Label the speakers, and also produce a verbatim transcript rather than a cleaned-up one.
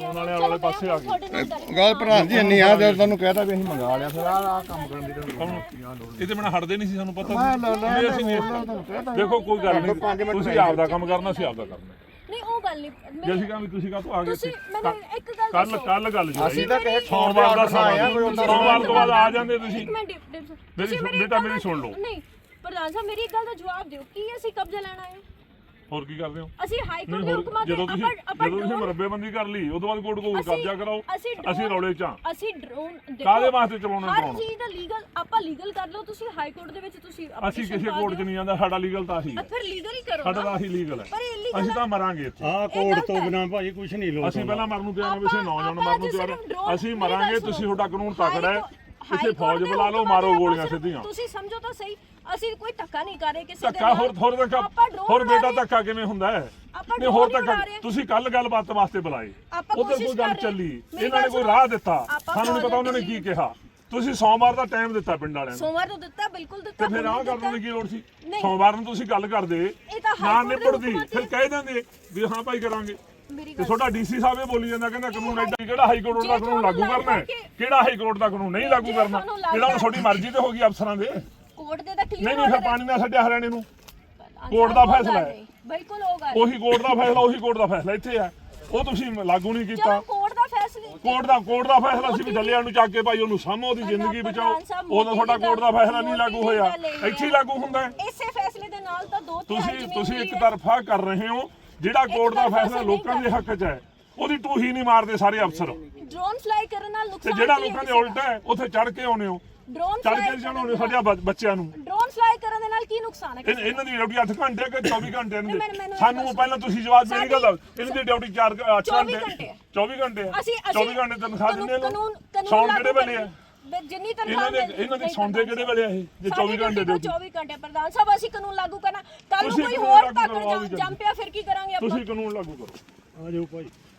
Speaker 1: ਕਾਨੂੰਨ ਵਾਲੇ ਵਾਲੇ ਪਾਸੇ ਆ ਗਏ
Speaker 2: ਗੱਲ ਪ੍ਰਧਾਨ ਜੀ ਇੰਨੀ ਆ ਜਦ ਤੁਹਾਨੂੰ ਕਹਿਤਾ ਵੀ ਅਸੀਂ ਮੰਗਾ ਲਿਆ ਫਿਰ ਆਹ ਕੰਮ ਕਰਨ ਦੀ
Speaker 1: ਇਹ ਤੇ ਬਿਨਾਂ ਹਟਦੇ ਨਹੀਂ ਸੀ ਸਾਨੂੰ ਪਤਾ ਸੀ ਅਸੀਂ ਨਹੀਂ ਦੇਖੋ ਕੋਈ ਗੱਲ ਨਹੀਂ ਤੁਸੀਂ ਆਪਦਾ ਕੰਮ ਕਰਨਾ ਸੀ ਆਪਦਾ ਕਰਨਾ
Speaker 3: ਨਹੀਂ ਉਹ ਗੱਲ ਨਹੀਂ
Speaker 1: ਜੇ ਅਸੀਂ ਕਹਾਂ ਵੀ ਤੁਸੀਂ ਕਾਹਤੋਂ ਆ ਗਏ
Speaker 3: ਤੁਸੀਂ ਮੈਨੂੰ ਇੱਕ ਗੱਲ
Speaker 1: ਕੱਲ ਕੱਲ ਗੱਲ ਜੀ
Speaker 2: ਅਸੀਂ ਤਾਂ ਕਹੇ
Speaker 1: ਸੋਮਵਾਰ ਦਾ ਸਮਾਂ ਸੋਮਵਾਰ ਤੋਂ ਬਾਅਦ ਆ ਜਾਂਦੇ ਤੁਸੀਂ
Speaker 3: ਇੱਕ ਮਿੰਟ
Speaker 1: ਮੇਰੀ ਬੇਟਾ ਮੇਰੀ ਸੁਣ ਲਓ
Speaker 3: ਨਹੀਂ ਪ੍ਰਧਾਨ ਸਾਹਿਬ ਮੇਰੀ ਇੱਕ ਗੱਲ ਦਾ ਜਵਾਬ ਦਿਓ ਕੀ ਅਸੀਂ ਕਬਜ਼ਾ ਲੈਣਾ ਹੈ
Speaker 1: ਹੋਰ ਕੀ ਕਰਦੇ ਹੋ
Speaker 3: ਅਸੀਂ ਹਾਈ ਕੋਰਟ ਦੇ ਹੁਕਮਾਂ ਤੇ
Speaker 1: ਜਦੋਂ ਤੁਸੀਂ ਜਦੋਂ ਤੁਸੀਂ ਮਰਬੇਬੰਦੀ ਕਰ ਲਈ ਉਦੋਂ ਬਾਅਦ ਕੋਰਟ ਕੋਲ ਕਬਜ਼ਾ ਕਰਾਓ ਅਸੀਂ ਰੌਲੇ ਚ
Speaker 3: ਅਸੀਂ ਡਰੋਨ
Speaker 1: ਕਾਹਦੇ ਵਾਸਤੇ ਚਲਾਉਣਾ
Speaker 3: ਹਰ ਚੀਜ਼ ਦਾ ਲੀਗਲ ਆਪਾਂ ਲੀਗਲ ਕਰ ਲਓ ਤੁਸੀਂ ਹਾਈ ਕੋਰਟ ਦੇ ਵਿੱਚ ਤੁਸੀਂ
Speaker 1: ਅਸੀਂ ਕਿਸੇ ਕੋਰਟ 'ਚ ਨਹੀਂ ਜਾਂਦਾ ਸਾਡਾ ਲੀਗਲ ਤਾਂ ਆਹੀ ਹੈ
Speaker 3: ਫਿਰ ਲੀਗਲ ਹੀ ਕਰੋ
Speaker 1: ਸਾਡਾ ਤਾਂ ਆਹੀ ਲੀਗਲ ਹੈ ਅਸੀਂ ਤਾਂ ਮਰਾਂਗੇ ਇੱਥੇ
Speaker 2: ਆਹ ਕੋਰਟ ਤੋਂ ਬਿਨਾਂ ਭਾਜੀ ਕੁਝ ਨਹੀਂ ਲੋਕ
Speaker 1: ਅਸੀਂ ਪਹਿਲਾਂ ਮਰਨ ਨੂੰ ਤਿਆਰ ਹਾਂ ਵੈਸੇ ਨੌਜਵਾਨ ਮਰਨ ਨੂੰ ਤਿਆਰ ਹਾਂ ਅਸੀਂ ਮਰਾਂਗੇ ਤੁਸੀਂ ਤੁਹਾਡਾ ਕਾਨੂੰਨ ਤਕੜਾ ਹੈ ਇੱਥੇ ਫੌਜ ਬੁਲਾ ਲਓ ਮਾਰੋ ਗੋਲੀਆਂ ਸਿੱਧੀਆਂ
Speaker 3: ਤੁਸੀਂ ਸਮਝੋ ਤਾਂ ਸਹੀ ਅਸੀਂ ਕੋਈ ਧੱਕਾ ਨਹੀਂ ਕਰ ਰਹੇ ਕਿਸੇ ਦੇ
Speaker 1: ਧੱਕਾ ਹੋਰ ਹੋਰ ਧੱਕਾ ਹੋਰ ਬੇਟਾ ਧੱਕਾ ਕਿਵੇਂ ਹੁੰਦਾ ਹੈ ਨਹੀਂ ਹੋਰ ਧੱਕਾ ਤੁਸੀਂ ਕੱਲ ਗੱਲਬਾਤ ਵਾਸਤੇ ਬੁਲਾਏ ਉਧਰ ਕੋਈ ਗੱਲ ਚੱਲੀ ਇਹਨਾਂ ਨੇ ਕੋਈ ਰਾਹ ਦਿੱਤਾ ਸਾਨੂੰ ਨਹੀਂ ਪਤਾ ਉਹਨਾਂ ਨੇ ਕੀ ਕਿਹਾ ਤੁਸੀਂ ਸੋਮਵਾਰ ਦਾ ਟਾਈਮ ਦਿੱਤਾ ਪਿੰਡ ਵਾਲਿਆਂ ਨੂੰ
Speaker 3: ਸੋਮਵਾਰ ਨੂੰ ਦਿੱਤਾ ਬਿਲਕੁਲ ਦਿੱਤਾ
Speaker 1: ਤੇ ਫਿਰ ਆਹ ਕਰਨ ਦੀ ਕੀ ਲੋੜ ਸੀ ਸੋਮਵਾਰ ਨੂੰ ਤੁਸੀਂ ਗੱਲ ਕਰਦੇ ਨਾ ਨਿਪੜਦੀ ਫਿਰ ਕਹਿ ਦਿੰਦੇ ਵੀ ਹਾਂ ਭਾਈ ਕਰਾਂਗੇ ਤੇ ਤੁਹਾਡਾ ਡੀਸੀ ਸਾਹਿਬ ਇਹ ਬੋਲੀ ਜਾਂਦਾ ਕਹਿੰਦਾ ਕਾਨੂੰਨ ਐਡਾ ਕਿਹੜਾ ਹਾਈ ਕੋਰਟ ਦਾ ਕਾਨੂੰਨ ਲਾਗੂ ਕਰਨਾ ਹੈ ਕਿਹੜਾ ਹਾਈ ਕੋਰਟ ਦਾ ਕਾਨੂੰਨ ਨਹੀਂ ਲਾਗੂ ਕਰਨਾ ਜਿਹੜਾ ਹੁਣ ਤੁਹਾਡੀ ਮਰਜ਼ੀ ਤੇ ਹੋ ਗਈ ਅਫਸਰਾਂ ਦੇ
Speaker 3: ਕੋਰਟ ਦੇ ਤਾਂ ਕਲੀਅਰ
Speaker 1: ਨਹੀਂ ਨਹੀਂ ਫਿਰ ਪਾਣੀ ਨਾਲ ਛੱਡਿਆ ਹਰਿਆਣੇ ਨੂੰ ਕੋਰਟ ਦਾ ਫੈਸਲਾ ਹੈ
Speaker 3: ਬਿਲਕੁਲ ਹੋਗਾ
Speaker 1: ਉਹੀ ਕੋਰਟ ਦਾ ਫੈਸਲਾ ਉਹੀ ਕੋਰਟ ਦਾ ਫੈਸਲਾ ਇੱਥੇ ਹੈ ਉਹ ਤੁਸੀਂ ਲਾਗੂ ਨਹੀਂ ਕੀਤਾ
Speaker 3: ਕੋਰਟ ਦਾ ਫੈਸਲਾ
Speaker 1: ਕੋਰਟ ਦਾ ਕੋਰਟ ਦਾ ਫੈਸਲਾ ਸੀ ਵੀ ਡੱਲਿਆਂ ਨੂੰ ਚੱਕ ਕੇ ਭਾਈ ਉਹਨੂੰ ਸਾਹਮੋ ਉਹਦੀ ਜ਼ਿੰਦਗੀ ਬਚਾਓ ਉਦੋਂ ਤੁਹਾਡਾ ਕੋਰਟ ਦਾ ਫੈਸਲਾ ਨਹੀਂ ਲਾਗੂ ਹੋਇਆ ਇੱਥੇ ਹੀ ਲਾਗੂ ਹੁੰਦਾ ਹੈ
Speaker 3: ਇਸੇ ਫੈਸਲੇ ਦੇ ਨਾਲ ਤਾਂ ਦੋ
Speaker 1: ਤੁਸੀਂ ਤੁਸੀਂ ਇੱਕ ਤਰਫਾ ਕਰ ਰਹੇ ਹੋ ਜਿਹੜਾ ਕੋਰਟ ਦਾ ਫੈਸਲਾ ਲੋਕਾਂ ਦੇ ਹੱਕ 'ਚ ਹੈ ਉਹਦੀ ਟੂਹੀ ਨਹੀਂ ਮਾਰਦੇ ਸਾਰੇ ਅਫਸਰ
Speaker 3: ਡਰੋਨ ਫਲਾਈ ਕਰਨ ਨਾਲ ਨੁਕਸਾਨ
Speaker 1: ਤੇ ਜਿਹੜਾ ਲੋਕਾਂ ਦੇ ਉਲਟਾ ਹੈ ਉੱਥੇ ਚੜ ਕੇ ਆਉਨੇ ਹੋ
Speaker 3: ਡਰੋਨ
Speaker 1: ਚੜ ਕੇ ਜਾਣੋਗੇ ਸਾਡੇ ਬੱਚਿਆਂ ਨੂੰ
Speaker 3: ਡਰੋਨ ਫਲਾਈ ਕਰਨ ਦੇ ਨਾਲ ਕੀ ਨੁਕਸਾਨ ਹੈ
Speaker 1: ਇਹਨਾਂ ਦੀ ਡਿਊਟੀ ਅੱਠ ਘੰਟੇ ਕਿ ਚੌਵੀ ਘੰਟੇ ਇਹਨਾਂ ਦੀ ਸਾਨੂੰ ਪਹਿਲਾਂ ਤੁਸੀਂ ਜਵਾਬ ਮੇਰੀ ਗੱਲ ਇਹਨਾਂ ਦੀ ਡਿਊਟੀ ਚਾਰ ਅੱਠ ਘੰਟੇ ਚੌਵੀ ਘੰਟੇ ਆ ਚੌਵੀ ਘੰਟੇ ਤਨਖਾਹ ਦਿੰਦੇ ਨੇ ਸੌਣ ਕਿਹੜੇ ਵੇਲੇ ਆ
Speaker 3: ਜਿੰਨੀ ਤਨਖਾਹ
Speaker 1: ਇਹਨਾਂ ਦੇ ਇਹਨਾਂ ਦੇ ਸੌਂਦੇ ਕਿਹੜੇ ਵੇਲੇ ਆ ਇਹ ਜੇ ਚੌਵੀ ਘੰਟੇ ਦੇ
Speaker 3: ਚੌਵੀ ਘੰਟੇ ਪ੍ਰਧਾਨ ਸਾਹਿਬ ਅਸੀਂ ਕਾਨੂੰਨ ਲਾਗੂ ਕਰਨਾ ਕੱਲ ਨੂੰ ਕੋਈ ਹੋਰ ਤਾਕੜ ਜੰਮ ਪਿਆ ਫਿਰ ਕੀ ਕਰਾਂਗੇ ਆਪਾਂ
Speaker 1: ਤੁਸੀਂ ਕਾਨੂੰਨ ਲਾਗੂ ਕਰੋ
Speaker 2: ਆ ਜਾਓ ਭਾਈ